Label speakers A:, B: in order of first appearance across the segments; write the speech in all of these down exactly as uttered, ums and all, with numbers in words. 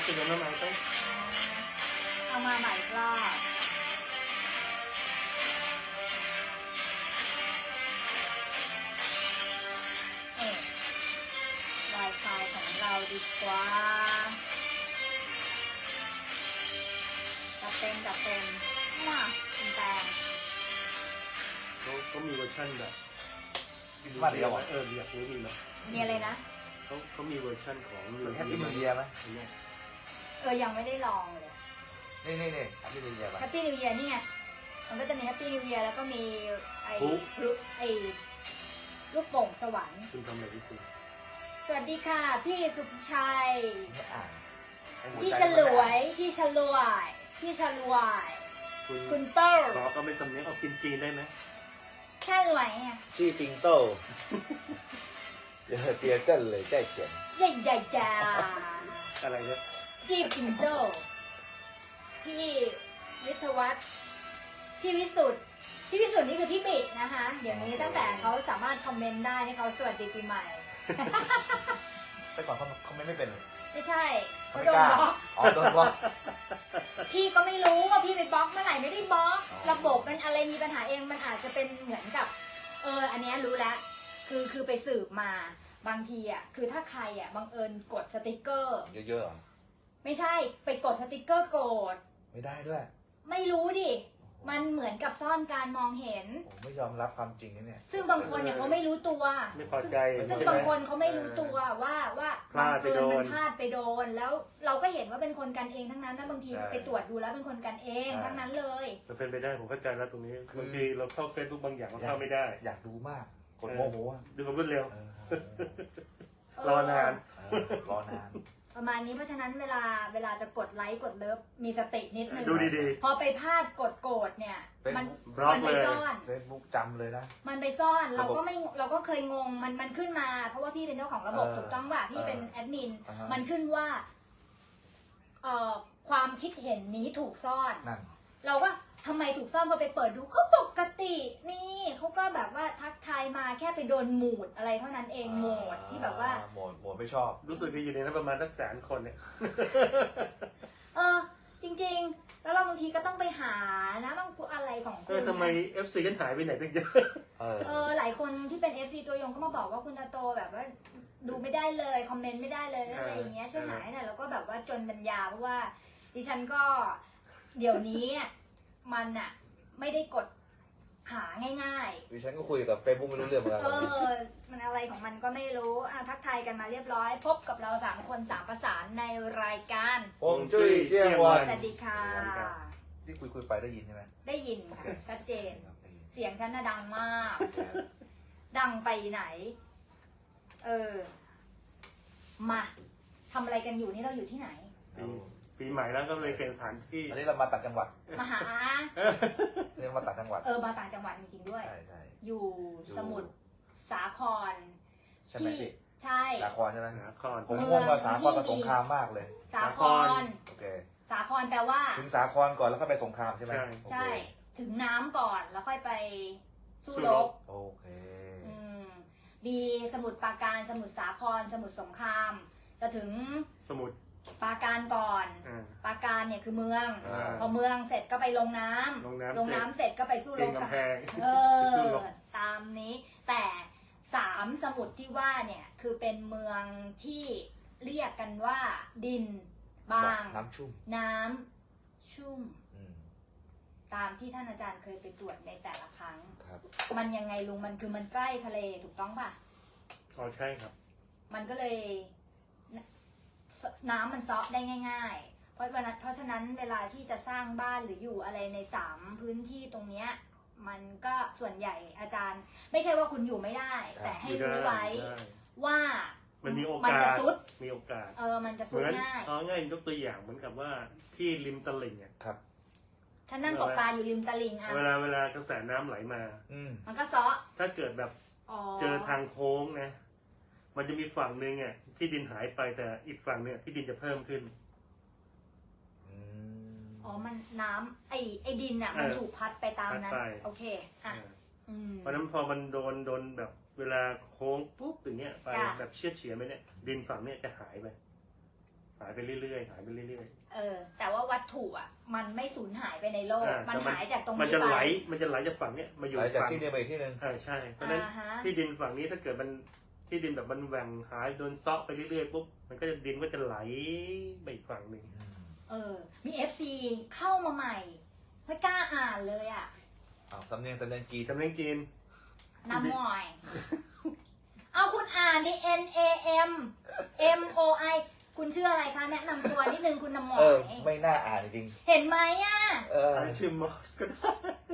A: เป็นยังไงมาต้อง
B: เอามาใหม่อีกรอบเอ๊ะ Wi-Fi ของเราดีกว่าจัดเต็มจัดเต็มว้าคุณแตง
A: เขาเขามีเวอร์ชันแบบ
C: สมาร์ทเดียว
A: เอออยากรู้มีไหม
B: มีอะไรนะ
A: เขาเขามีเวอร์ชันของ
C: แฮปปี้นิวเยียร์ไหม
B: เออยังไม่ได้ลองเลย
C: นี่นี่นี่แฮปปี้นิวเยียร์
B: แฮปปี้นิวเยียร์นี่ไงมันก็จะมีแฮปปี้นิวเยียร์แล้วก็มีไอ้ลูกไอ้ลูกโป่งสวรรค์
A: คุณทำอะไรที่คุณ
B: สวัสดีค่ะพี่สุภชัยพี่ฉล
C: ว
B: วยพี่ฉลวยพี่ฉลวยคุณเปิ้ล
A: ขอก็ไม่สำเนียงเอากินจีนได้ไหม
B: ฉลวยอ่ะ
C: ชื่อปิงโต้เดี๋ยวเตียเจิ้นเลยใจเขียน
B: ใหญ่ใหญ่จ้า
A: อะไรเนี่ย
B: จีปิงโต้พี่วิทวัฒน์พี่วิสุทธ์พี่วิสุทธ์นี่คือพี่บินะคะเดี๋ยวนี้ตั้งแต่เขาสามารถคอมเมนต์ได้ให้เขาสวัสดีปีใหม่
C: แต่ก่อนเขาเขาไม่ไม่เป็น
B: ไม่ใช่
C: เขาโดนบล็อกอ๋อโดนบล็อก
B: พี่ก็ไม่รู้ว่าพี่ไปบล็อกเมื่อไหร่ไม่ได้บล็อกระบบมันอะไรมีปัญหาเองมันอาจจะเป็นเหมือนกับเอออันนี้รู้แล้วคือคือไปสืบมาบางทีอ่ะคือถ้าใครอ่ะบังเอิญกดสติกเกอร์
C: เยอะ
B: ๆไม่ใช่ไปกดสติกเกอร์โกรธ
C: ไม่ได้ด้วย
B: ไม่รู้ดิมันเหมือนกับซ่อนการมองเห็น
C: ไม่ยอมรับความจริงนี่เนี่ย
B: ซึ่งบางคนเนี่ยเขาไม่รู้ตัว
A: ไม่พอใจ
B: ซึ่งบางคนเขาไม่รู้ตัวว่าว่าบังเอิญมันพลาดไปโดนแล้วเราก็เห็นว่าเป็นคนกันเองทั้งนั้นนะบางทีไปตรวจดูแล้วเป็นคนกันเองทั้งนั้นเลย
A: จะเป็นไปได้ผมเข้าใจแล้วตรงนี้บางทีเราเข้าเฟซบุ๊กบางอย่างเราเข้าไม่ได้
C: อยากดูมากกดโมโห
A: ดูความรวดเร็วรอนาน
C: รอนาน
B: ประมาณนี้เพราะฉะนั้นเวลาเวลาจะกดไลค์กดเลิฟมีสตินิดนึง
A: ดูดี
B: ๆพอไปพลาดกดโกรธเนี่ย
A: มัน
B: มันไปซ่อน
C: เฟซบุ๊กจำเลยนะ
B: มันไปซ่อนเราก็ไม่เราก็เคยงงมันมันขึ้นมาเพราะว่าพี่เป็นเจ้าของระบบถูกต้องว่าพี่เป็นแอดมินมันขึ้นว่าเอ่อความคิดเห็นนี้ถูกซ่อนเราก็ทำไมถูกซ่อนพอไปเปิดดูก็ปกตินี่เขาก็แบบว่าทักทายมาแค่ไปโดนหมูดอะไรเท่านั้นเองโหมดที่แบบว่า
C: โหมดโหมดไม่ชอบ
A: รู้สึกอยู่ในนั้นประมาณสักแสนคนเนี่ย
B: เออจริงๆแล้วเราบางทีก็ต้องไปหานะบางอะไรของคุณ
A: เออทำไม เอฟ ซี กันหายไปไหนตั้งเยอะ
B: เออหลายคนที่เป็น เอฟ ซี ตัวยงก็มาบอกว่าคุณตาโตแบบว่าดูไม่ได้เลยคอมเมนต์ไม่ได้เลยอะไรอย่างเงี้ยช่วยหายหน่อยแล้วก็แบบว่าจนปัญญาเพราะว่าดิฉันก็เดี๋ยวนี้มันอะไม่ได้กดหาง่าย
C: ๆดิฉันก็คุยกับเฟซบุ๊กไม่รู้เรื่องเหมือนกัน
B: เออมันอะไรของมันก็ไม่รู้อ่ะทักทายกันมาเรียบร้อยพบกับเราสามคนสามประสานในรายการ
C: ฮวงจุ้ยเจียงวัน
B: สวัสดีค่ะ
C: ที่คุยคุยไปได้ยินใช่ไหม
B: ได้ยินค่ะชัดเจนเสียงฉันน่ะดังมากดังไปไหนเออมาทำอะไรกันอยู่นี่เราอยู่ที่ไหน
A: ปีใหม่แล้วก็เลยเปลี่ยนสถานที่
C: อันนี้เรามาต่างจังหวัด
B: มาหา
C: เรียกมาต่างจังหวัด
B: เออมาต่างจังหวัดจริงๆด้วยอยู่สมุทรสาคร
C: ที่
B: ใช่
C: สาครใช่ไหม
A: สาคร
C: ผมงงกับสาครกับสงครามมากเลย
B: สาคร
C: โอเค
B: สาครแปลว่า
C: ถึงสาครก่อนแล้วค่อยไปสงครามใช่ไหม
B: ใช่ถึงน้ำก่อนแล้วค่อยไปสู้รบ
C: โอเค
B: อืมมีสมุทรปราการสมุทรสาครสมุทรสงครามจะถึง
A: สมุทร
B: ปราการก่อนปราการเนี่ยคือเมืองพอเมืองเสร็จก็ไปลงน้ำลงน้ำเสร็จก็ไปสู้รบกับเออตามนี้แต่สามสมุทรที่ว่าเนี่ยคือเป็นเมืองที่เรียกกันว่าดินบาง
C: น้ำชุ่ม
B: น้ำชุ่มตามที่ท่านอาจารย์เคยไปตรวจในแต่ละครั้งมันยังไงลุงมันคือมันใกล้ทะเลถูกต้องป่ะ
A: อ๋อใช่ครับ
B: มันก็เลยน้ำมันซอกได้ง่ายๆเพราะวันเพราะฉะนั้นเวลาที่จะสร้างบ้านหรืออยู่อะไรในสามพื้นที่ตรงเนี้ยมันก็ส่วนใหญ่อาจารย์ไม่ใช่ว่าคุณอยู่ไม่ได้แต่ให้รู้ไว้ว่า
A: มันมีโอกาส
B: จะซุด
A: มีโอกาส
B: เออมันจะซุดง่าย
A: เอาง่ายยกตัวอย่างเหมือนกับว่าที่ริมตลิ่งเนี่ย
C: ครับ
B: ฉันนั่งตกปลาอยู่ริมตลิ่งอ่ะ
A: เวลาเวลากระแสน้ำไหลมา
B: มันก็ซอ
A: ถ้าเกิดแบบเจอทางโค้งนะมันจะมีฝั่งหนึ่งอ่ะที่ดินหายไปแต่อีกฝั่งเนี่ยที่ดินจะเพิ่มขึ้น
B: อ๋อมันน้ำไอไอดินอ่ะมันถูกพัดไปตามนั้นโอเคอ่ะ
A: เพราะนั้นพอมันโดนโดนแบบเวลาโค้งปุ๊บอย่างเงี้ยไปแบบเชี่ยเฉียดไปเนี่ยดินฝั่งเนี่ยจะหายไปหายไปเรื่อยๆหายไปเรื่อย
B: เออ แต่ว่าวัตถุอ่ะ มันไม่สูญหายไปในโลก
A: อ่ามั
B: มันหายจากตรง
A: มัน
B: นี้
A: จะ
B: ไป
A: ไหลมันจะไหลจากฝั่งเนี้ยมาอยู่
C: หลังจาก
A: ฝั่ง
C: ที่นี่ไปที่หนึ่ง
A: อ่าใช่เพราะฉะนั้น
B: อ่าฮะ
A: ที่ดินฝั่งนี้ถ้าเกิดมันที่ดินแบบมันแหว่งหายโดนเซาะไปเรื่อยๆปุ๊บมันก็จะดินก็จะไหลไปอีกฝั่งหนึ่ง
B: เออ มี เอฟ ซี เข้ามาใหม่ ไม่กล้าอ่านเลยอ่ะ
C: อ้าวสำเนียงสำเนียงจีน
A: จำเนียงจีน
B: น้ำหมอย เอาคุณอ่านดิ N A M M O I คุณชื่ออะไรคะ แนะนำตัวนิดนึงคุณน้ำหมอ
C: เออย ไม่น่าอ่านจริง
B: เห็นไหมอ่ะ
C: ๆเออ
A: ชื่อมอสก็ได้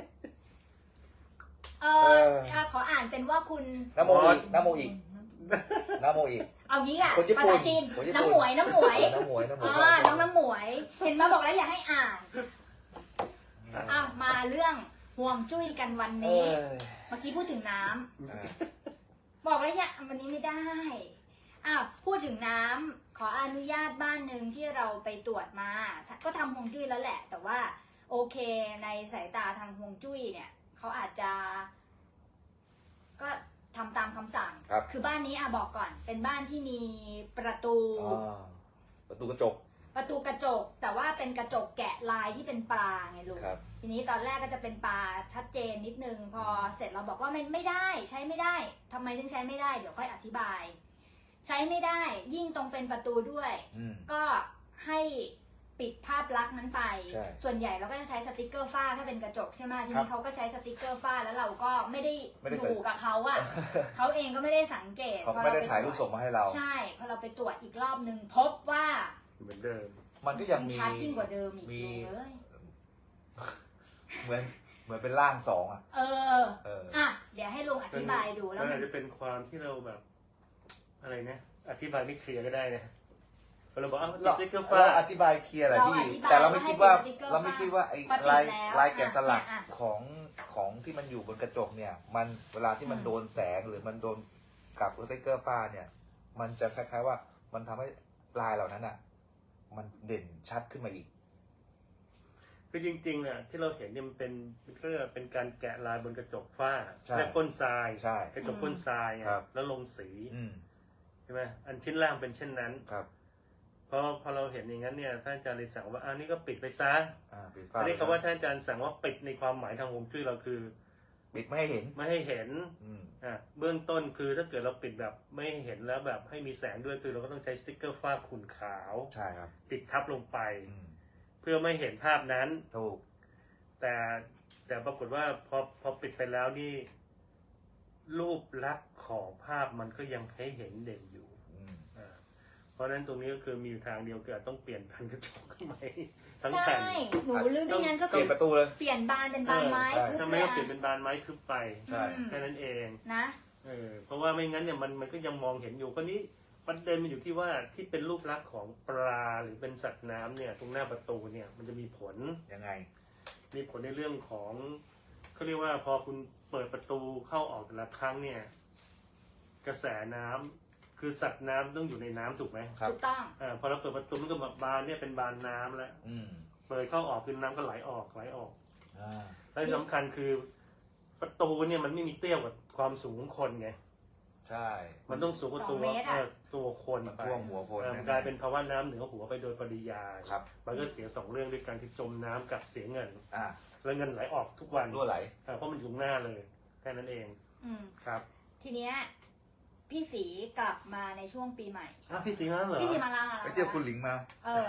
B: เอ
C: เอ
B: อ
C: อ
B: อ่ะขออ่านเป็นว่าคุณ
C: น้ำโมอีกน้ำโมอีกน้ำโมอีก
B: เอางี้อ่ะ
C: คนญี่
B: ภา
C: ปุ่น
B: ษาจีน
C: คนญี่ปุ่น
B: น้ำหมวย น้ำหมวย
C: น้ำหมวยน้ำหมวย
B: อ่าน้องน้ำหมวย เห็นมาบอกแล้วอย่าให้อ่าน อ่ะมาเรื่องห่วงจุ้ยกันวัน
C: เอ
B: นี้
C: อ
B: เมื่อกี้พูดถึงน้ำ
C: เออ
B: บอกแล้วอย่าวันนี้ไม่ได้อ้าวพูดถึงน้ำขออนุญาตบ้านหนึ่งที่เราไปตรวจมา ก็ทำฮวงจุ้ยแล้วแหละ แต่ว่าโอเคในสายตาทางฮวงจุ้ยเนี่ยเขาอาจจะ ก็ทำตามคำสั่ง
C: ครับ
B: คือบ้านนี้อ่ะบอกก่อน เป็นบ้านที่มีประตู
C: อ่าประตูกระจก
B: ประตูกระจก แต่ว่าเป็นกระจกแกะลายที่เป็นปลาไงลูก
C: ครับ
B: ทีนี้ตอนแรกก็จะเป็นปลาชัดเจนนิดนึง พอเสร็จเราบอกว่ามันไม่ได้ใช้ไม่ได้ทำไมถึงใช้ไม่ได้เดี๋ยวค่อยอธิบาย ใช้ไม่ได้ยิ่งตรงเป็นประตูด้วย
C: อืม
B: ก็ให้ปิดภาพลักษณ์นั้นไป
C: ใช่
B: ส่วนใหญ่เราก็จะใช้สติกเกอร์ฝ้าถ้าเป็นกระจกใช่ไหมที
C: ครั
B: นี้
C: บ
B: เขาก็ใช้สติกเกอร์ฝ้าแล้วเราก็ไม่ได้
C: ไม่ได้
B: อ
C: ใส่
B: ยู่กับเขาอะ เขาเองก็ไม่ได้สังเกต
C: เขา
B: พอ
C: ไม่ได้
B: เป
C: ถ่ายรูปส่งมาให้เรา
B: ใช่พอเราไปตรวจอีกรอบหนึ่งพบว่า
A: เหมือนเดิม
C: มันก็ยังมี
B: ชัดยิ่งกว่าเดิมอีก
C: มี
B: เลย
C: เหมือนเหมือนเป็นร่างสองอ่ะ
B: เออ
C: เออ
B: อ่ะเดี๋ยวให้ลุงอธิบายดูแล้ว
A: มัน
B: มั
A: อาน จจะเป็นความที่เราแบบ อะไรนะอธิบายไม่เคลียร์ก็ได้นะเราบอกอ้าว
C: เรา
A: สติ๊กเกอร์ฟ้า
C: เราอธิบายเคลียร์แหละพี่ แต่เราไม่คิดว่าเราไม่คิดว่าไอ้ลายลายแกะสลักของของที่มันอยู่บนกระจกเนี่ย มันเวลาที่มันโดนแสงหรือมันโดนกับสติ๊กเกอร์ฝ้าเนี่ย มันจะคล้ายๆว่ามันทำให้ลายเหล่านั้นอ่ะ มันเด่นชัดขึ้นมาอีก
A: คือจริงๆเนี่ยที่เราเห็นเนี่ยมันเป็นก็เรียกว่าเป็นการแกะลายบนกระจกฝ้า
C: ใช่
A: และก้นทราย
C: ใช่
A: กระจกก้นทรายไง
C: ครับ
A: แล้วลงสี
C: อืม
A: ใช่ไหมอันชิ้นล่างเป็นเช่นนั้น
C: ครับ
A: พอพอเราเห็นอย่างนั้นเนี่ยท่านอาจารย์เลยสั่งว่าอันนี้ก็ปิดไปซะ
C: อ่าปิดฝ้า
A: อันนี้คำว่าท่านอาจารย์สั่งว่าปิดในความหมายทางฮวงจุ้ยเราคือ
C: ปิดไม่ให้เห็น
A: ไม่ให้เห็น
C: อืม
A: อ่ะเบื้องต้นคือถ้าเกิดเราปิดแบบไม่ให้เห็นแล้วแบบให้มีแสงด้วยคือเราก็ต้องใช้สติ๊กเกอร์ฝ้าขุ่นขาว
C: ใช่ครับ
A: ปิดทับลงไป
C: อืม
A: เพื่อไม่เห็นภาพนั้น
C: ถูก
A: แต่แต่ปรากฏว่าพอพอปิดไปแล้วนี่รูปลักษณ์ของภาพมันก็ยังให้เห็นเด่นอยู่
C: อืม
A: อ่าเพราะฉะนั้นตรงนี้ก็คือมีอยู่ทางเดียวคือต้องเปลี่ยนแผ่นกระจกใหม่ทั้ง
B: ใช่
A: แผ่น
B: หนูลืมไม่งั้นก็
C: เป
B: คื
C: ลี่ย
B: อน
C: ประตูเลย
B: เปลี่ยนบานเป็นบานไม้
C: เออ
B: ทึบ
A: ถ้า
B: เล
A: ไม่
B: ย
A: ก็
B: อะ
A: เปลี่ยนเป็นบานไม้ทึบไป
C: ใช่
B: อืม
A: แค่นั้นเอง
B: นะ
A: เออเพราะว่าไม่งั้นเนี่ยมันมันก็ยังมองเห็นอยู่คนนี้ประเด็นมันอยู่ที่ว่าที่เป็นรูปลักษณ์ของปลาหรือเป็นสัตว์น้ำเนี่ยตรงหน้าประตูเนี่ยมันจะมีผล
C: ยังไง
A: มีผลในเรื่องของเขาเรียกว่าพอคุณเปิดประตูเข้าออกแต่ละครั้งเนี่ย กระแสน้ำคือสัตว์น้ำต้องอยู่ในน้ำถูกไหม
C: ครับ
B: ถูกต้อง
A: อ่าพอเราเปิดประตูมันก็แบบบานเนี่ยเป็นบานน้ำแล้ว
C: อืม
A: เปิดเข้าออกคือน้ำก็ไหลออกไหลออก
C: อ่า
A: และที่สำคัญคือประตูเนี่ยมันไม่มีเตี้ยกว่าความสูงของคนไง
C: ใช่
A: มันต้องสูงกว่าตัว
B: สองเมตรอะ
A: เออตัวคน
C: มัน
A: ไป
C: ท่วมหัวคน
A: เออ
C: แน่ๆ
A: กลายเป็นภาวะน้ำเหนือหัวไปโดยปริยาย
C: ครับ
A: มันก็เสียสองเรื่องด้วยการที่จมน้ำกับเสียเงิน
C: อ่า
A: แล้วเงินไหลออกทุกวัน
C: รั่วไหล
A: เออเพราะมันอยู่ตรงหน้าเลยแค่นั้นเอง
B: อืม
A: ครับ
B: ทีเนี้ยพี่สีกลับมาในช่วงปีใหม่
A: อ้าวพี่สีมาแล้วเหรอ
B: พี่สีมาลา
C: ไปเที่ยวคุณหลิงมา
B: เออ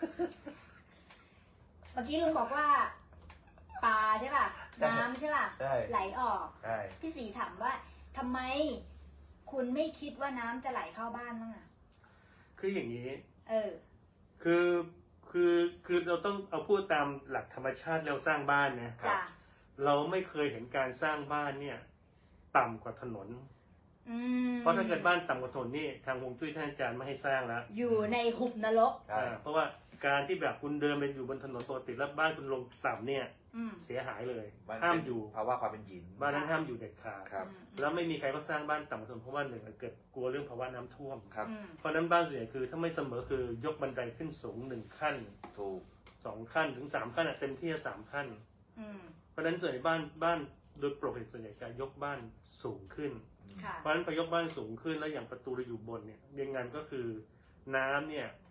B: เมื่อกี้ลุงบอกว่าปลาใช่ป่ะ น้ำใช่ป่ะ
C: ใช่
B: ไหลออก
C: ใช่
B: พี่สีถามว่าทำไมคุณไม่คิดว่าน้ำจะไหลเข้าบ้านบ้างอ่ะ
A: คืออย่างนี้
B: เออ
A: คือคือคือเราต้องเอาพูดตามหลักธรรมชาติเราสร้างบ้านนะ
B: จ้ะ
A: เราไม่เคยเห็นการสร้างบ้านเนี่ย ต่ำกว่าถนน
B: อืม
A: เพราะถ้าเกิดบ้านต่ำกว่าถนนนี่ทางฮวงจุ้ยท่านอาจารย์ไม่ให้สร้างแล้ว
B: อยู่ในหุบนรก
C: ใช่
A: อ่าเพราะว่าการที่แบบคุณเดินไปอยู่บนถนนปกติแล้วบ้านคุณลงต่ำเนี่ย
B: อืม
A: เสียหายเลย
C: มัน
A: ห้าม
C: เป็น
A: อยู่
C: ภาวะความเป็นหยิน
A: บ้านนั้นห้ามอยู่เด็ดขาด
C: ครับ
B: อืม
A: แล้วไม่มีใครก็สร้างบ้านต่ำกว่าถนนเพราะว่าหนึ่งเกิดกลัวเรื่องภาวะน้ำท่วม
C: ครับ
B: อืม
A: เพราะฉะนั้นบ้านส่วนใหญ่คือถ้าไม่เสมอคือยกบันไดขึ้นสูงหนึ่งขั้น
C: ถูก
A: สองขั้นถึงสามขั้นอะเต็มที่สามขั้น
B: อืม
A: เพราะฉะนั้นส่วนใหญ่บ้านบ้านโดยปกติส่วนใหญ่จะยกบ้านสูงขึ้น
B: ค่ะ
A: เพราะฉะนั้นพอยกบ้านสูงขึ้นแล้วอย่างประตูเราอยู่บนเนี่ยยังไงก็คือน้ำเนี่ย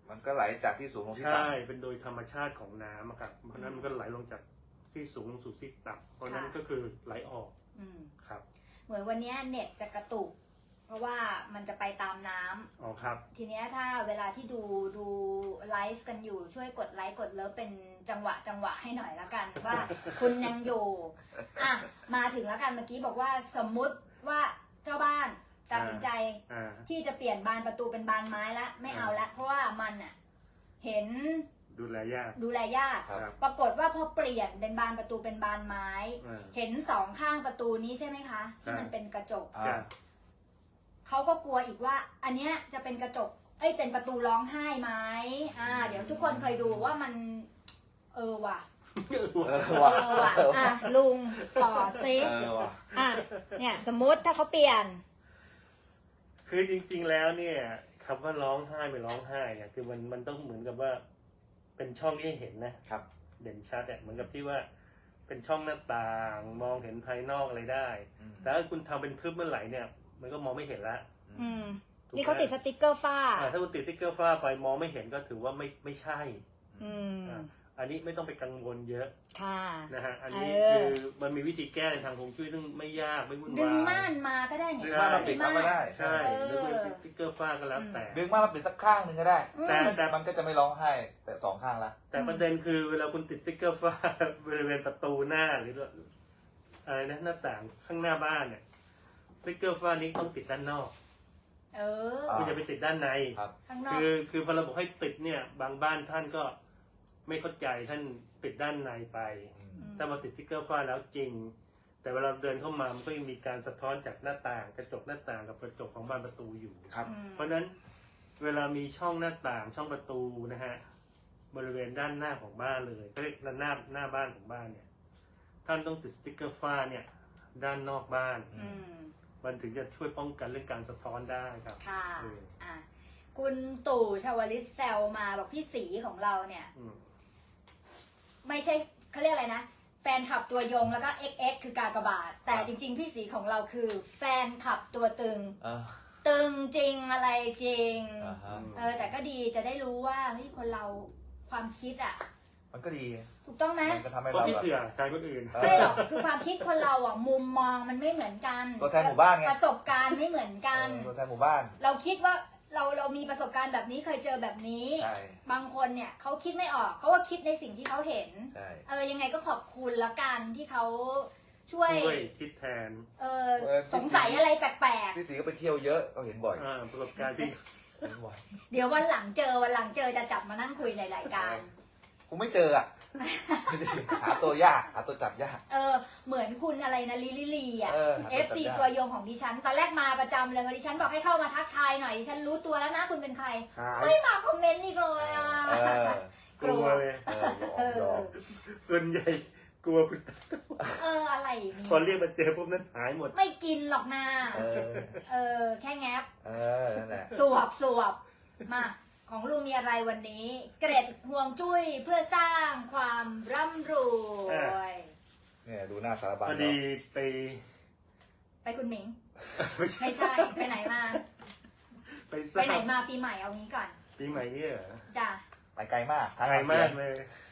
C: มันก็ไหลจากที่สูงลงที่ต่ำ
A: ใช่เป็นโดยธรรมชาติของน้ำอะครับเพราะนั้นมันก็ไหลลงจากที่สูงลงสู่ที่ต่ำเพราะนั้นก็คือไหลออก
B: อืม
A: ครับ
B: เหมือนวันเนี้ยเน็ตจะกระตุก เพราะว่ามันจะไปตามน้ำ
A: อ๋อครับ
B: ทีเนี้ยถ้าเวลาที่ดูดูไลฟ์กันอยู่ช่วยกดไลค์กดเลิฟเป็นจังหวะจังหวะให้หน่อยละกัน ว่า คุณยังอยู่อ่ะมาถึงแล้วกันเมื่อกี้บอกว่าสมมุติว่าเจ้าบ้านตัดสินใจ
A: อ่า
B: ที่จะเปลี่ยนบานประตูเป็นบานไม้ละไม่เอาละเพราะว่ามันอ่ะเห็น
A: ดูแลยาก
B: ดูแลยาก
C: ครับ
B: ปรากฏว่าพอเปลี่ยนเป็นบานประตูเป็นบานไม้
A: อ่า
B: เห็นสองข้างประตูนี้ใช่ไหมคะที่มันเป็นกระจก
C: อ่า
B: เขาก็กลัวอีกว่า อันเนี้ยจะเป็นกระจก เอ้ย เป็นประตูร้องไห้ไหมอ่า เดี๋ยวทุกคนเคยดูว่ามัน เออว่ะ
C: เออ
B: เอ
C: ว่ะ
B: อว่ะ อ่ะ ลุงต่อซิ
C: เออว่ะ
B: อ่ะ เนี่ย สมมติถ้าเขาเปลี่ยน
A: คือจริงๆแล้วเนี่ยคำว่าร้องไห้ไม่ร้องไห้เนี่ยคือมันมันต้องเหมือนกับว่า เป็นช่องที่ให้เห็นนะครับ เด่นชัดอะเหมือนกับที่ว่า เป็นช่องหน้าต่าง มองเห็นภายนอกอะไรได้
C: อืม
A: แต่ถ้าคุณทำเป็นทึบเมื่อไหร่เนี่ย มันก็มองไม่เห็นละ
B: อืม
A: ถูกไหม
B: นี่เขาติดสติกเกอร์ฝ้า
A: อ่าถ้าคุณติดสติ๊กเกอร์ฝ้าไปมองไม่เห็นก็ถือว่าไม่ไม่ใช่
B: อืม
A: อ่าอันนี้ไม่ต้องไปกังวลเยอะ
B: ค่ะ
A: นะฮะ อันนี้
B: เออ
A: คือมันมีวิธีแก้ในทางฮวงจุ้ยซึ่งไม่ยากไม่วุ่นวาย
B: ดึงม่านมาก็ได้เนี่ย
C: ดึงม่านมาปิดเอาก็ได้
A: ใช่
B: เออ
A: หรือเป็นสติ๊กเกอร์ฝ้าก็แล้วแต่
C: ดึงมามาปิดสักข้างหนึ่งก็ได้
B: อืม
A: แต่แต่
C: มันก็จะไม่ร้องไห้ แต่สองข้างละ
A: แต่ประเด็นคือเวลาคุณติดสติ๊กเกอร์ฝ้า บริเวณประตูหน้าหรืออะไรนะหน้าต่างข้างหน้าบ้านเนี่ยสติ๊กเกอร์ฝ้านี้ต้องติดด้านนอก
B: เออ
C: อ่า
A: คุณจะไปติดด้านใน
C: ครับ
B: ข้างนอก
A: คือคือพอเราบอกให้ติดเนี่ย บางบ้านท่านก็ไม่เข้าใจท่านติดด้านในไป
C: อืม
B: ม
A: ถ้ามาติดสติ๊กเกอร์ฝ้าแล้วจริง แต่เวลาเดินเข้ามามันก็ยังมีการสะท้อนจากหน้าต่าง กระจกหน้าต่างกับกระจกของบ้านประตูอยู่
C: ครับ
B: อืม
A: เพราะฉะนั้นเวลามีช่องหน้าต่างช่องประตูนะฮะบริเวณด้านหน้าของบ้านเลยก็เรียกด้านหน้าหน้าบ้านของบ้านเนี่ยท่านต้องติดสติ๊กเกอร์ฝ้าเนี่ยด้านนอกบ้าน
B: อืม
A: มันถึงจะช่วยป้องกันเรื่องการสะท้อนได้ครับ
B: ค่ะ
A: เออ
B: อ่ะ คุณตู่ชวลิตแซวมาบอกพี่สีของเราเนี่ย
A: อืม
B: ไม่ใช่เขาเรียกอะไรนะ แฟนคลับตัวยงแล้วก็ เอ็กซ์ เอ็กซ์ คือกากบาท แต่จริง ๆ พี่สีของเราคือ แฟนคลับตัวตึง
C: อ่า
B: ตึงจริงอะไรจริง
C: อ่าฮะ
B: เออ แต่ก็ดีจะได้รู้ว่าเฮ้ยคนเราความคิดอ่ะ
C: มันก็ดี
B: ถูกต้องไหม
C: มันก็ทำให้
A: เพราะ
C: เรา
A: พี่
C: แบบ
A: เสือใครคนอื่น
C: เอ
B: ไม่
C: อ
B: หรอกคือความคิดคนเราอ่ะมุมมองมันไม่เหมือนกัน
C: ตัวแทนหมู่บ้านไง
B: ประสบการณ์ไม่เหมือนกัน
C: เออตัวแทนหมู่บ้าน
B: เราคิดว่าเราเรามีประสบการณ์แบบนี้เคยเจอแบบนี้
C: ใช่
B: บางคนเนี่ยเขาคิดไม่ออกเขาก็คิดในสิ่งที่เขาเห็น
C: ใช่
B: เออยังไงก็ขอบคุณละกันที่เขาช่วย
A: ช่วยคิดแทน
B: เออสงสัยอะไรแปลก
C: พี่สีก็ไปเที่ยวเยอะก็เห็นบ่อย
A: อ่าประสบการณ์ที่
C: เห็นบ่อย
B: ๆ เดี๋ยววันหลังเจอวันหลังเจอจะจับมานั่งคุยในรายการ
C: คงไม่เจออ่ะ หาตัวยากหาตัวจับยาก
B: เออเหมือนคุณอะไรนะลิลิลีอ่ะ
C: เออ
B: เอฟซีตัวยงของดิฉัน ตอนแรกมาประจำเลยพอดิฉันบอกให้เข้ามาทักทายหน่อยดิฉันรู้ตัวแล้วนะคุณเป็นใคร
A: หาย
B: ไม่มาคอมเมนต์อีกเลยอ่ะ
C: เออ
A: กลัวเลย
C: เออยอมยอม
A: ส่วนใหญ่กลัวคุณตา
B: เอออะไรนี่
A: พอเรียกมาเจอปุ๊บนั้นหายหมด
B: ไม่กินหรอกนะ
C: เออ
B: เออแค่แงบ
C: เออ นั่นแหละ
B: สวบสวบมาของลุงมีอะไรวันนี้ เกร็ดห่วงจุ้ยเพื่อสร้างความร่ำรวย
C: เนี่ยดูหน้าสารบัญ
A: พอ
C: เรา
A: ดีไป
B: ไปคุณหมิง
A: ไม่ใช่
B: ไม่ใช่ ไปไหนมา
A: ไปส
B: ไป
A: ร้าง
B: ไหนมาปีใหม่เอางี้ก่อน
A: ปีใหม่เนี่ยเหรอ
B: จ้ะ
C: ไปไกลมากสาย
A: ไกล
C: หาเสี
A: มาย ก
C: ง
A: เลย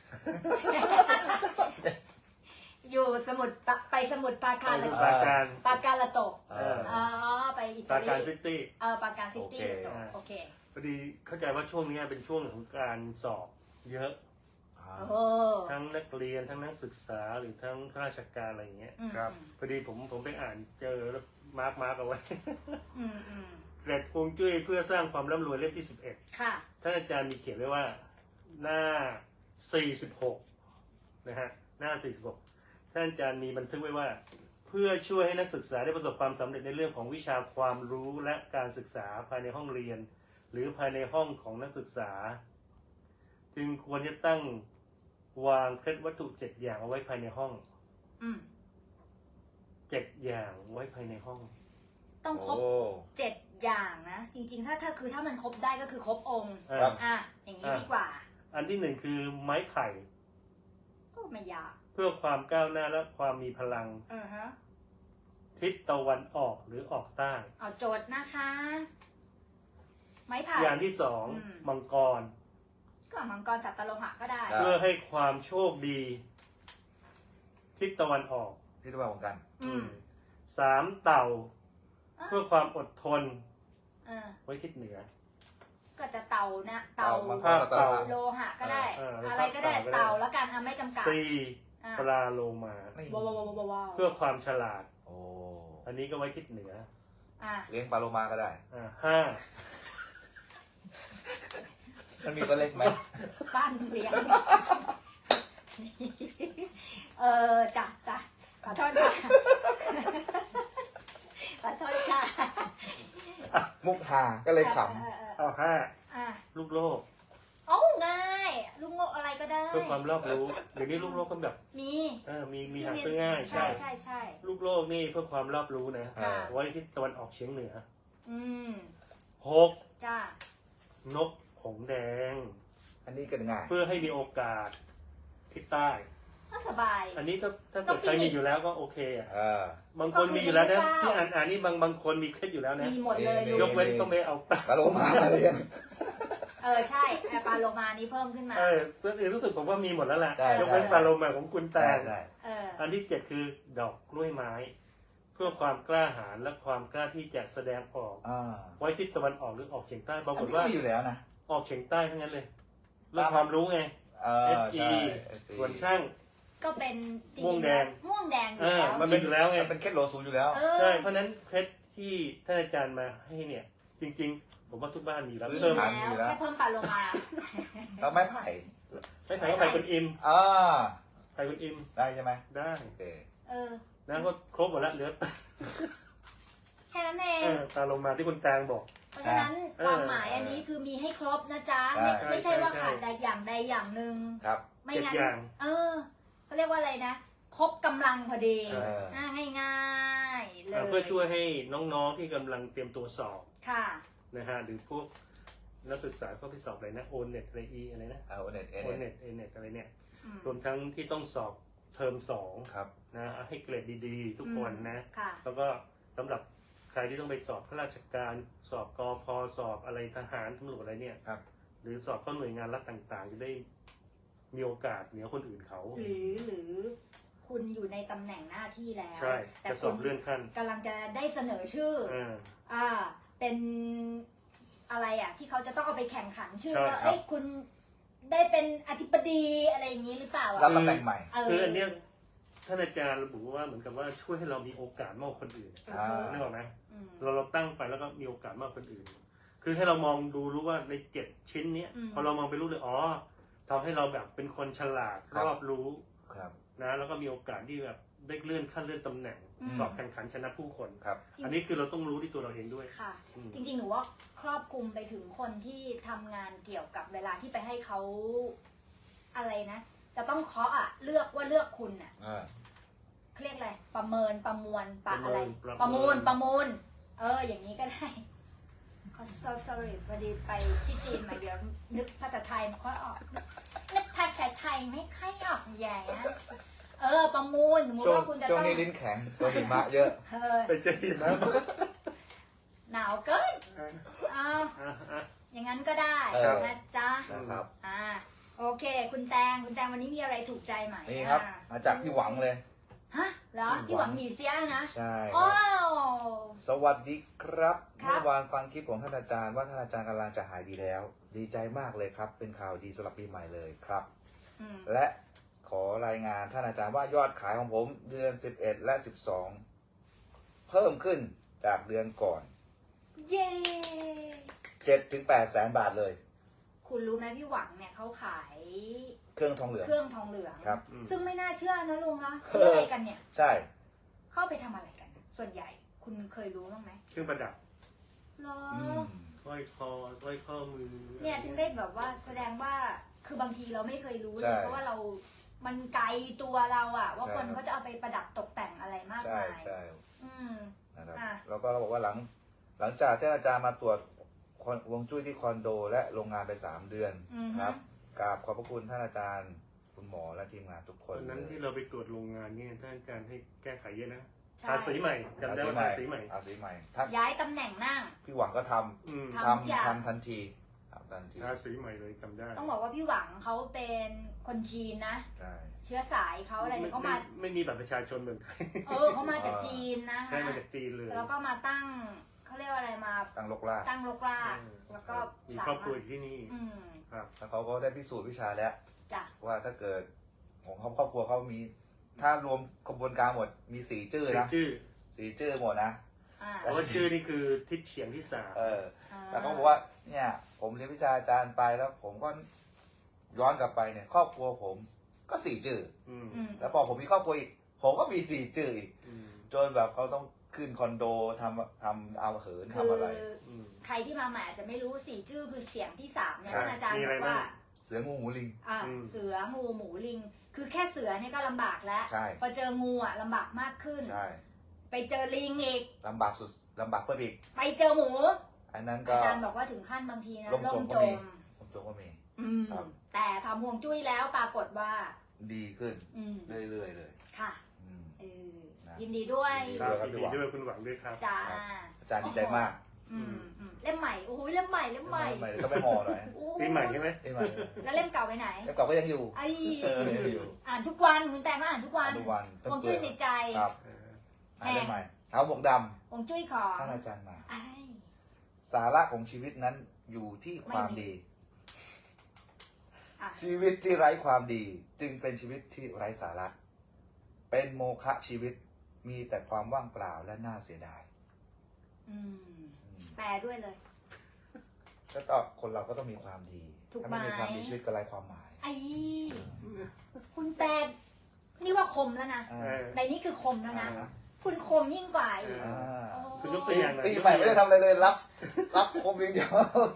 B: อยู่สมุดปะไปสมุดปรา
A: ไป
B: การ
A: ดู
B: ละ
A: ปราการ
B: ปราการละโตก
C: เออ
B: อ๋อไปอิ
A: ป
B: ตา
A: รา
B: ลี
A: การซิตี้
B: เออปราการซิตี้
C: โอเค
B: ละโตกโอเค
A: พอดีเข้าใจว่าช่วงนี้เป็นช่วงของการสอบเยอะ
C: อ่า
B: โอ้
A: ทั้งนักเรียนทั้งนักศึกษาหรือทั้งข้าราชการอะไรอย่างเงี้ย
B: อืม
C: ครับ
A: พอดีผมผมไปอ่านเจอแล้วมาร์กมาร์กเอาไว้
B: อืมอืม
A: เกร็ดฮวงจุ้ยเพื่อสร้างความร่ำรวยเล่มที่สิบเอ็ด
B: ค่ะ
A: ท่านอาจารย์มีเขียนไว้ว่าหน้าสี่สิบหกนะฮะหน้าสี่สิบหกท่านอาจารย์มีบันทึกไว้ว่า เพื่อช่วยให้นักศึกษาได้ประสบความสำเร็จในเรื่องของวิชาความรู้และการศึกษาภายในห้องเรียน หรือภายในห้องของนักศึกษา จึงควรจะตั้งวางเคล็ดวัตถุเจ็ดอย่างเอาไว้ภายในห้อง
B: อืม
A: เจ็ดอย่างไว้ภายในห้อง
B: ต้องครบ
C: โอ้
B: เจ็ดอย่างนะ จริงๆ ถ้าถ้าคือถ้ามันครบได้ก็คือครบองค์
C: ครับ
B: อ่ะอย่างนี้ดีกว่า
A: อันที่หนึ่งคือไม้ไผ่
B: ก็ไม่ยาก
A: เพื่อความก้าวหน้าและความมีพลัง
B: อือฮะ
A: ทิศตะวันออกหรือออกใต้
B: เอาโจทย์นะคะ ไม้ไผ่
A: อย่างที่สอง
B: อืม
A: มังกร
B: ฝั่งมังกรสัตตโลหะก็ได้
C: ได้
A: เพื่อให้ความโชคดีทิศตะวันออก
C: ที่ตัวของกัน
B: อืม
A: สามเต่า
B: อ่ะ
A: เพื่อความอดทน
B: เออ
A: ไว้ทิศเหนือ
B: ก็จะเต่านะเต่า
C: มังก
A: ภาร ค
C: สัตว์
A: เต่า
B: โลหะก็ได้
A: เออเออ
B: อะไรก็ได้
A: ภาคเต่าก็ได้
B: เต่าแล้วกันอ่ะไม่จำกัด
A: สี่
B: อ่ะ
A: ปลาโลมา
C: นี่
B: ว้าวว้าวว้าวว้าว
A: เพื่อความฉลาด
C: โอ้
A: อันนี้ก็ไว้ทิศเหนือ
B: อ่ะ
C: เลี้ยงปลาโลมาก็ได้
A: อ่าห้า
C: มันมีตัวเล็กไหม
B: ปั้นเลี้ยง เออจ้ะจ้ะขอโทษค่ะขอโทษค่ะ
C: มุกฮาก็เลยข
B: เออเออเออ
A: เอาห้า
B: อ่ะ
A: ลูกโลก
B: เอ้าง่ายลูกโงกอะไรก็ได้
A: เพื่อความรอบรู้เดี๋ยวนี้ลูกโลกก็แบบ
B: มี
A: เออมีมีหาซื้อง่าย
B: ใช่
A: ใช่
B: ใช่ใช่
A: ลูกโลกนี่เพื่อความรอบรู้นะ
C: ำอ่า
A: ไว้ที่ตะวันออกเฉียงเหนือ
B: อืม
A: หก
B: จ้าน
A: กหงส์แดง
C: อันนี้กันง่าย
A: เพื่อให้มีโอกาสทิศใต้
B: ก็สบาย
A: อันนี้ก็ถ้าเกิด
B: นกฟิ
A: ใคร
B: นิกซ์
A: มีอยู่แล้วก็โอเคอ่ะ
C: เออบ
A: างคนมีอยู่แล้วนะ
B: ก็คือ
A: ที่อ่านอ่านนี่บางบางคนมีเคล็ดอยู่แล้วนะ
B: มีหมดเลย
C: มี
B: ลู
A: ย
B: ก
A: กเว้นต้องไม่เอาปลา
C: ปลาโลมามาเลี้ยง
B: เออใช่แอร์ปลาโลมานี้เพิ่มขึ้นมา
A: เออตัวอื่นรู้สึกผมว่ามีหมดแล้วแหละ
C: ได้
A: ยกเว้นปลาโลมาของคุณแต
C: ได้
A: ง
C: ได้
B: เออ
A: อันที่เจ็ดคือดอกกล้วยไม้ เพื่อความกล้าหาญและความกล้าที่จะแสดงออก
C: อ่า
A: ไว้ทิศตะวันออกหรือออกเฉียงใต้ป
C: อั
A: ราน กฏ
C: นี้ก็
A: ว่า
C: มีอยู่แล้วนะ
A: ออกเฉียงใต้ทั้งนั้นเลยเรื่องความรู้ไง
C: เออ
A: เอส
C: ใช่
A: อี
C: เอสอี
A: ส่วนช่าง
B: ก็เป็นจริ
A: ม่วง
B: งๆ
A: แด
B: แล้ว
A: ง
B: ม่วงแดงอ
A: เอยู่ อ
B: แล้ว
A: มันเป็นอยู่แล้วไง
C: มันเป็นเคล็ดโลซูอยู่แล้ว
B: เออ
A: ใช่เพราะฉะนั้นเคล็ดที่ท่านอาจารย์มาให้เนี่ย จริง ๆ ผมว่าทุกบ้านมีแล้ว
C: ซื้อ
B: มี
A: เพิ่ม
C: หา
B: แล้ว
C: อยู่แล้ว
B: แค่เพิ่มปลาโลมา
C: แล้วไม้ไผ่
A: ไม่ถ่ายก็ไปคุณอิม
C: อ่า
A: ไปคุณอิม
C: ได้ใช่ไหม
A: ได้
C: โอเค
B: เออ
A: นะก็ครบหมดแล้วเหลือ
B: แค่นั้นเอง
A: เออตาลงมาที่คุณแตงบอก
B: เพราะฉะนั้น
A: เออ
B: ความหมายอันนี้คือมีให้ครบนะจ๊ะ
C: ใช่
B: ไม่ไม่ใช่ว่า
A: ใช่
B: ขาดใดอย่างใดอย่างหนึ่ง
C: ครับ
B: ไม่
A: เจ็ด
B: งั้น
A: อย่าง
B: เออเขาเรียกว่าอะไรนะ ครบกำลังพอดี
C: เอออ่
B: ่าง่ายๆเล
A: เอ่อย เพื่อช่วยให้น้องๆที่กำลังเตรียมตัวสอบ
B: ค่ะ
A: นะฮะหรือพวกนักศึกษาพวกที่สอบอะไรนะโอเน็ตอะไรอีอะไรนะ
C: เอาเน็ตเอ
A: โอ
C: เน็
A: เน็
C: ต
A: ตเอเน็ตอะไรเนี่ย
B: อืม
A: รวมทั้งที่ต้องสอบเทอมสอง
C: ครับ
A: นะให้เกรดดีๆ ทุกคนนะ
B: ค่ะ
A: แล้วก็สำหรับใครที่ต้องไปสอบข้าราชการ สอบกอพอสอบอะไรทหารตำรวจอะไรเนี่ย
C: ครับ
A: หรือสอบเข้าหน่วยงานรัฐต่างๆ จะได้มีโอกาสเหนือคนอื่นเขา
B: หรือหรือคุณอยู่ในตำแหน่งหน้าที่แล้ว
A: ใช่
B: แต่
A: จะส
B: คุ
A: อบ
B: ณ
A: เลื่อนขั้น
B: กำลังจะได้เสนอชื่อ
A: อ่า
B: อ่า เป็นอะไรอ่ะ ที่เขาจะต้องเอาไปแข่งขันชื่อ
A: ใช่
B: ว่า
C: ครับ
B: เอ้ยคุณได้เป็นอธิบดีอะไรอย่างนี้หรือเปล่า
C: รั
B: อ่ะ
C: บตำแหน่งใหม่
B: เออ
A: คืออันเนี้ยท่านอาจารย์ระบุว่าเหมือนกับว่าช่วยให้เรามีโอกาสมากกว่าคนอื่น
B: เออ
A: นึกออกไหม
B: อืม
A: เราเราตั้งไปแล้วก็มีโอกาสมากกว่าคนอื่น คือให้เรามองดูรู้ว่าในเจ็ดชิ้นเนี้ย
B: อืม
A: พอเรามองไปรู้เลยอ๋อทำให้เราแบบเป็นคนฉลาด
C: ครับ
A: รอบรู้
C: ครับ
A: นะแล้วก็มีโอกาสที่แบบได้เลื่อนขั้นเลื่อนตำแหน่ง
B: อืม
A: สอบแข่งขันชนะผู้คน
C: ครับ
A: อันนี้คือเราต้องรู้ที่ตัวเราเองด้วย
B: ค่ะ
A: อืม
B: จริงๆ หนูว่าครอบคลุมไปถึงคนที่ทำงานเกี่ยวกับเวลาที่ไปให้เขาอะไรนะ จะต้องเคาะอ่ะเลือกว่าเลือกคุณอ่ะ
C: อ่า
B: เขาเรียกอะไรประเมินประมวลปะอะไร
A: ประ
B: ประ
A: เมิ
B: มูล
A: น
B: ประมูล เออ อย่างนี้ก็ได้ขอ so- sorry พอดีไปที่จีนมาเดี๋ยวนึกภาษาไทยไม่ค่อยออก นึกภาษาไทยไม่ค่อยออกใหญ่นะเออ ประมูลสมมติ
C: ช่วง
B: ว่าคุณจะ
C: ช่วง
B: ต้อง
C: นี้ลิ้นแข็งตัวหิมะเยอะ
B: เออ
A: ไปเจอหิมะ
B: หนาวเกิน
A: อ่ะ
B: เอา
A: อ่ะอ่ะ
B: อย่างนั้นก็ได้
C: เออ
B: นะจ๊ะ
C: นะครับ
B: อ่า โอเค คุณแตง คุณแตงวันนี้มีอะไรถูกใจไหม
C: นี่ครับ
B: อ่ะ
C: มาจากพี่หวังเลย
B: ฮะเหรอ พี่หวังหยีเสียนะ
C: ใช่ค
B: อ้า
C: รับ
B: ว
C: สวัสดีครับ
B: ครับ
C: เมื่อวานฟังคลิปของท่านอาจารย์ว่าท่านอาจารย์กำลังจะหายดีแล้ว ดีใจมากเลยครับ เป็นข่าวดีสำหรับปีใหม่เลยครับ
B: อืม
C: และขอรายงานท่านอาจารย์ว่ายอดขายของผมเดือนสิบเอ็ดและสิบสองเพิ่มขึ้นจากเดือนก่อน
B: เย้
C: เจ็ดถึงแปดแสนบาทเลย
B: คุณรู้ไหมพี่หวังเนี่ยเขาขาย
C: เครื่องทองเหลือง
B: เครื่องทองเหลือง
C: ครับ
A: อืม
B: ซึ่งไม่น่าเชื่อนะลุงนะซื้ออะไรกันเนี่ย
C: ใช่
B: เข้าไปทำอะไรกัน ส่วนใหญ่ คุณเคยรู้บ้างไหม
A: เครื่องประดับ
B: เหรอ
C: อืม
A: สร้อยคอสร้อยข้อมือ
B: เนี่ยถึงได้แบบว่าแสดงว่า คือบางทีเราไม่เคยรู้เล
C: ใช่
B: ยเพราะว่าเรา มันไกลตัวเราอะว่า
C: ใช่
B: คนเขาจะเอาไปประดับตกแต่งอะไรมาก
C: ใช่
B: มาย
C: ใช่
B: อืม
C: นะครับ
B: อ่ะ
C: แล้วก็เราบอกว่าหลัง หลังจากที่อาจารย์มาตรวจคอนฮวงจุ้ยที่คอนโด และโรงงานไปสามเดือน
B: อือฮึ
C: ครับกราบขอบพระคุณท่านอาจารย์ คุณหมอและทีมงานทุกค
A: ตอน นนั้น
C: เลย
A: ที่เราไปตรวจโรงงานเนี่ยท่านอาจารย์ให้แก้ไขเยอะนะ
B: ใช่
A: ทาสีใหม่จำได้ว่าทาสีใหม่
C: อาสีใหม่ท่าน
B: ย้ายตำแหน่งนั่ง
C: พี่หวังก็ทำ
A: อืม
B: ทำทุกอย่าง
C: ทำทำทันทีกัปตันทีม
A: ราศีใหม่เลยจำได้
B: ต้องบอกว่าพี่หวังเขาเป็นคนจีนนะ
C: ใช่
B: เชื้อสายเขาอะไรเนี่ยเขามา
A: ไไม่มีบัตรประชาชนเหมือนไทย
B: เออเขามาจากจีนนะ
A: ใช่
B: คะ
A: มาจากจีนเลย
B: แล้วก็มาตั้งเขาเรียกว่าอะไรมา
C: ตั้งลกลาก
B: ตั้งรกรากแล้วก็
A: มี
B: สา
A: ครอบครัว
B: มารถ
A: อยู่ที่นี่
B: อืม
A: ครับ
C: แล้วเขาก็ได้พิสูจน์วิชาแล้ว
B: จ้ะ
C: ว่าถ้าเกิดของเขาครอบครัวเขามี ถ้ารวมกระบวนการหมดมีสี่ชื่อ
A: ชื่อ
C: นะ
A: ชื่อ
C: สี่ชื่อหมดนะ
B: อ่า
A: เพราะว่าชื่อนี่คือทิศเฉียงที่สาม
C: เออ
B: อ่า
C: แล้วเขาบอกว่าเนี่ย ผมเรียนวิชาอาจารย์ไปแล้ว ผมก็ย้อนกลับไปเนี่ย ครอบครัวผมก็สี่ชื่อ
A: อืม
B: อืม
C: แล้วพอผมมีครอบครัวอีก ผมก็มีสี่ชื่ออีก
A: อืม
C: จนแบบเขาต้องขึ้นคอนโดทำทำเอาเหิน
B: คื
C: ทำอะไร
B: อ
A: อืม
B: ใครที่มาใหม่อาจจะไม่รู้สี่ชื่อคือเสียงที่สามเนี่ย
A: ครับ
B: ท่านอาจารย์
A: มี
B: บ
A: อะไร
B: อกว่า
A: บ้าง
C: เสืองูหมูลิง
B: อ่า
A: อืม
B: เสืองูหมูลิง คือแค่เสือเนี่ยก็ลำบากแล้ว
C: ใช่
B: พอเจองูอ่ะลำบากมากขึ้น
C: ใช่
B: ไปเจอลิงอีก
C: ลำบากสุดลำบากเพิ่มอีก
B: ไปเจอหมู
C: อันนั้นก็
B: อาจารย์บอกว่าถึงขั้นบางทีนะ
C: ล่มจม
B: ล่ม
C: ก็
B: จ
C: มี
B: ม
C: ผมจงก็มี
B: อืม
C: ครับ
B: แต่ทำห่วงจุ้ยแล้วปรากฏว่า
C: ดีขึ้น
B: อืม
C: เรื่อยๆเลย
B: ค่ะ
C: อืม
B: เออ
C: นะ
B: ยินดีด้วย
C: ยิน
A: ครับ
C: ครับ
A: ยินดีด้วยคุณหวังด้วยครับ
B: จ้า
C: อาจารย์ดีใจมาก
B: อืมอืมเล่มใหม่โอ้ยเล่มใหม่เล่มใหม่
C: ใหม่ก็ไม่ห่อหน่อย
B: โอ้ย
A: ปีใหม่ใช่ไหม
C: เอ้ยใหม่
B: แล้วเล่มเก่าไปไหน
C: แล้วเก่าก็ยังอยู่
B: ไอ้
C: เออยังอยู่
B: อ่านทุกวันคุณแต่มาอ่านทุกวัน
C: ทุกวัน
B: ห่วงจุ้ยในใจ
C: ครับ
A: เออ
C: อ่านได้ใหม่เท้าหมวกด
B: ห่วงจุ้ยของ
C: ำท่านอาจารย์มา
B: ไอ้
C: สาระของชีวิตนั้นอยู่ที่ความดี
B: อ่ะ
C: ชีวิตที่ไร้ความดี จึงเป็นชีวิตที่ไร้สาระ เป็นโมฆะชีวิตมีแต่ความว่างเปล่าและน่าเสียดาย
B: อืม
C: อืม
B: แปลด้วยเลย
C: ก็ต้องคนเราก็ต้องมีความดี
B: ถูก
C: ถ้าไม่มี
B: ไหม
C: ความดีชีวิตก็ไร้ความหมาย
B: ไอ้คุณแปลนี่ว่าคมแล้วนะ
C: อ่า
A: เออ
B: ในนี้คือคมแล้วนะ
C: อ่า
B: คุณคมยิ่งกว่าอีก
A: เอ
C: อ่า
B: โอ้
A: คุณยกตัวอย่างหน่อย
C: ปีใหม่ไม่ได้ทำอะไรเลยรับ รับคมอย่างเดียว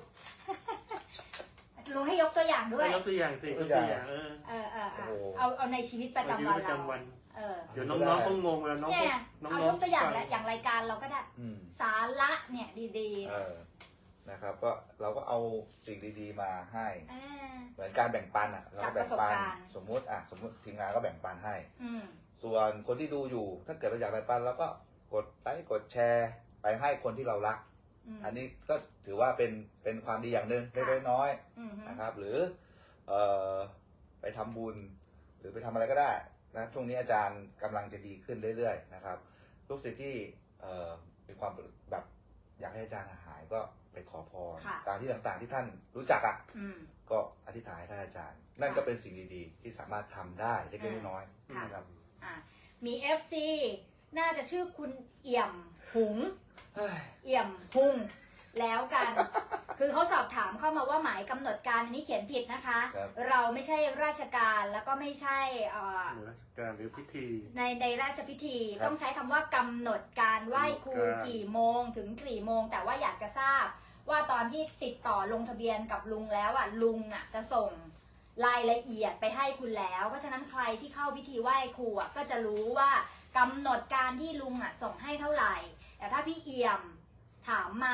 B: ลุงให้ยกตัวอย่างด้วย
A: ยกตัวอย่างสิยกตัวอย่างเออ
B: เออเออเออ
C: โอ้โห
B: เอาเอาในชีวิตประจำวัน
A: ชีวิตประ
B: เรา
A: จำวัน
B: เออ
A: เดี๋ยวน้องๆก็งงเวลาน้อง
B: เนี่ย
A: น้อง
B: เอา
A: ๆ
B: ยกตัวอย่าง
A: ฟั
B: และอย่างรายการเราก็ได้
C: อืม
B: สาระเนี่ยดี
C: เออนะครับก็เราก็เอาสิ่งดีๆมาให้
B: ๆอ่า
C: เหมือนการแบ่งปันอ่ะ เราก็แบ่งปัน
B: จากประสบการณ์
C: สมมุติอ่ะสมมุติทีมงานก็แบ่งปันให้
B: อืม
C: ส่วนคนที่ดูอยู่ ถ้าเกิดเราอยากแบ่งปันเราก็กดไลค์กดแชร์ไปให้คนที่เรารัก
B: อืม
C: อันนี้ก็ถือว่าเป็นเป็นความดีอย่างหนึ่งเล็กๆน้อย
B: อืม
C: ๆนะครับ หรือเอ่อไปทำบุญ หรือไปทำอะไรก็ได้นะช่วงนี้อาจารย์กำลังจะดีขึ้นเรื่อยๆนะครับลูกศิษย์ที่เอ่อมีความแบบอยากให้อาจารย์หายก็ไปขอพร
B: ค่ะ
C: ตามที่ต่างๆที่ท่านรู้จักอ่ะ
B: อืม
C: ก็อธิษฐานให้ท่านอาจารย์ นั่นก็เป็นสิ่งดีๆ ที่สามารถทำได้เล็กๆน้อย
B: ค่ะ
C: ๆนะครับ
B: อ่ะมี เอฟ ซี น่าจะชื่อคุณเอี่ยมหุง
C: เฮ้ย
B: เอี่ยมหุงแล้วกัน คือเขาสอบถามเข้ามาว่าหมายกำหนดการอันนี้เขียนผิดนะคะ
C: ครับ
B: เราไม่ใช่ราชการแล้วก็ไม่ใช่เอ่อ
A: หน่วยราชการหรือพิธี
B: ในในราชพิธี
C: ครับ
B: ต้องใช้คำว่ากำหนดการไหว้ครู
A: การ
B: กี่โมงถึงกี่โมง แต่ว่าอยากจะทราบ ว่าตอนที่ติดต่อลงทะเบียนกับลุงแล้วอ่ะลุงอ่ะจะส่งรายละเอียดไปให้คุณแล้ว เพราะฉะนั้นใครที่เข้าพิธีไหว้ครูอ่ะก็จะรู้ว่ากำหนดการที่ลุงอ่ะส่งให้เท่าไหร่ แต่ถ้าพี่เอี่ยมถามมา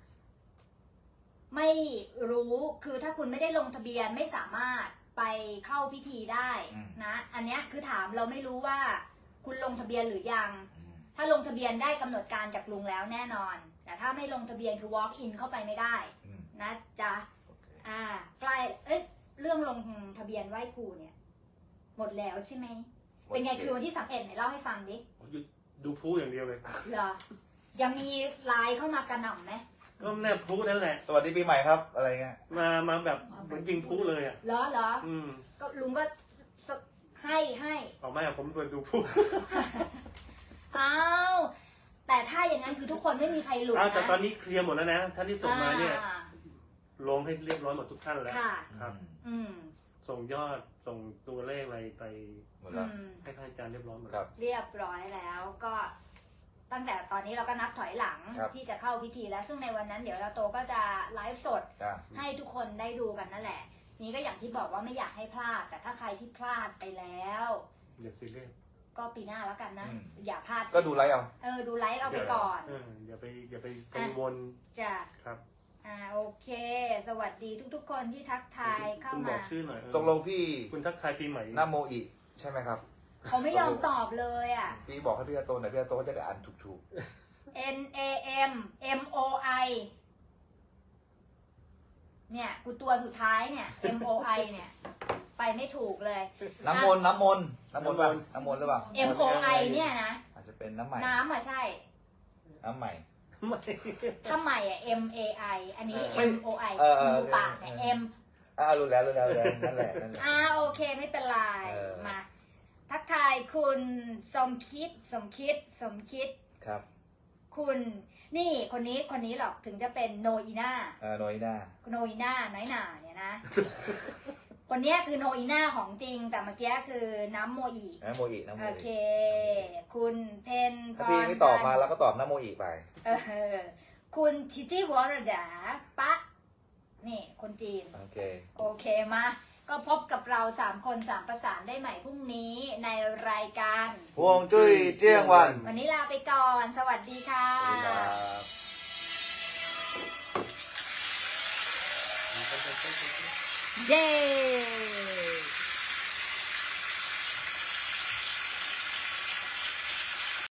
B: ไม่รู้คือถ้าคุณไม่ได้ลงทะเบียนไม่สามารถไปเข้าพิธีได้
C: อืม
B: นะ อันเนี้ยคือถามเราไม่รู้ว่า คุณลงทะเบียนหรือยัง
C: อืม
B: ถ้าลงทะเบียนได้กำหนดการจากลุงแล้วแน่นอน แต่ถ้าไม่ลงทะเบียนคือ walk in เข้าไปไม่ได้
C: อืม
B: นะจ๊ะ
C: โอเค
B: อ่าใกล้เอ้ยเรื่องลงทะเบียนไหว้ครูเนี่ย หมดแล้วใช่ไหมเป็นไงคือวันที่สามเอ็ดไหนเล่าให้ฟังดิ
A: ดูพูอย่างเดียวเลย
B: เหรอยังมีไลน์เข้ามากระหน่ำไหม
A: ก็แน่พูนั่นแหละ
C: สวัสดีปีใหม่ครับ อะไรเงี้ย
A: มามาแบบเหมือนยิงพูเลยอ่ะ
B: เหรอเหรอ
A: อืม
B: ก็ลุงก็สให้ให้
A: ออกมาผมเปิดดูพู
B: อ้าวแต่ถ้าอย่างนั้นคือทุกคนไม่มีใครหลุด
A: อ้าว
B: นะ
A: แต่ตอนนี้เคลียร์หมดแล้วนะท่านที่ส่งมาเนี่ย
B: อ่
A: ลงให้เรียบร้อยหมดทุกท่านแล้ว
B: ค่ะ
A: ครับ
B: อืม
A: ส่งยอดส่งตัวเลขอะไรไป
C: หมด
B: อื
C: แล้ว
B: ม
A: ให้ท่านอาจารย์เรียบร้อยหมด
C: ครับ
B: เรียบร้อยแล้วก็ตั้งแต่ตอนนี้เราก็นับถอยหลัง
C: ครับ
B: ที่จะเข้าพิธีแล้ว ซึ่งในวันนั้นเดี๋ยวเราโตก็จะไลฟ์สด
C: อ่ะ
B: ให้ทุกคนได้ดูกันนั่นแหละ นี่ก็อย่างที่บอกว่าไม่อยากให้พลาด แต่ถ้าใครที่พลาดไปแล้ว
A: อย่าซีเรียส
B: ก็ปีหน้าแล้วกันนะ
C: อืม
B: อย่าพลาด
C: ก็ดูไลฟ์เอา
B: เออดูไลฟ์เอาไปก่อน
A: เอออย่าไปอย่าไปกังวล
B: จ้ะ
A: ครับ
B: อ่าโอเค สวัสดีทุกๆ คนที่ทักทายเข้า
A: คุณบอ
B: มา
A: กชื่อหน่อยเออ
C: ตกลงพี่
A: คุณทักทายปีใหม่
C: นาโมอิใช่ไหมครับ
B: เขาไม่ยอมตอบเลยอ่ะ
C: พี่บอกให้พี่อาโตหน่อยพี่อาโตก็จะได้อ่านถูก
B: N A M M O I เนี่ยกูตัวสุดท้ายเนี่ย M O I เนี่ย ไปไม่ถูกเลย
C: น้ำมนต์น้ำมนต์น้ำมนต์ป่ะน้ำมนต์หรือเปล่า
B: M O I เนี่ยนะ
C: อาจจะเป็นน้ำใหม่
B: น้ำอ่ะใช่
C: น้ำใหม่
B: ถ้าใหม่อ่ะ M A I อันนี้
A: ไม่
B: M O I
C: เออเออ
B: ดูปากเนี่ย M
C: อ่ารู้แล้วรู้แล้วรู้แล้วนั่นแหละนั่นแหละ
B: อ่าโอเคไม่เป็นไร
C: เออ
B: มา ทักทายคุณสมคิดสมคิดสมคิด
C: ครับ
B: คุณนี่คนนี้คนนี้หรอกถึงจะเป็นโนอีน่า
C: เออโนยหน้า
B: โนอีน่าน้อยหนาเนี่ยนะ คนเนี้ยคือโนอีน่าของจริง แต่เมื่อกี้คือน้ำโมอี
C: น้ำโมอิน้ำโม
B: โอ
C: อิ
B: เค คุณเพนพ
C: ถ้าร พี่ไม่ตอบมาเราก็ตอบน้ำโมอิไป
B: เออคุณทิติวรดาปะนี่คนจีน
C: โอเค
B: โอเคมา ก็พบกับเราสามคนสามประสานได้ใหม่พรุ่งนี้ในรายการ
C: พวงจุ้ยเจียงวัน
B: วันนี้ลาไปก่อน สวัสดีค่ะ
C: สวัสดีครับ
B: เย้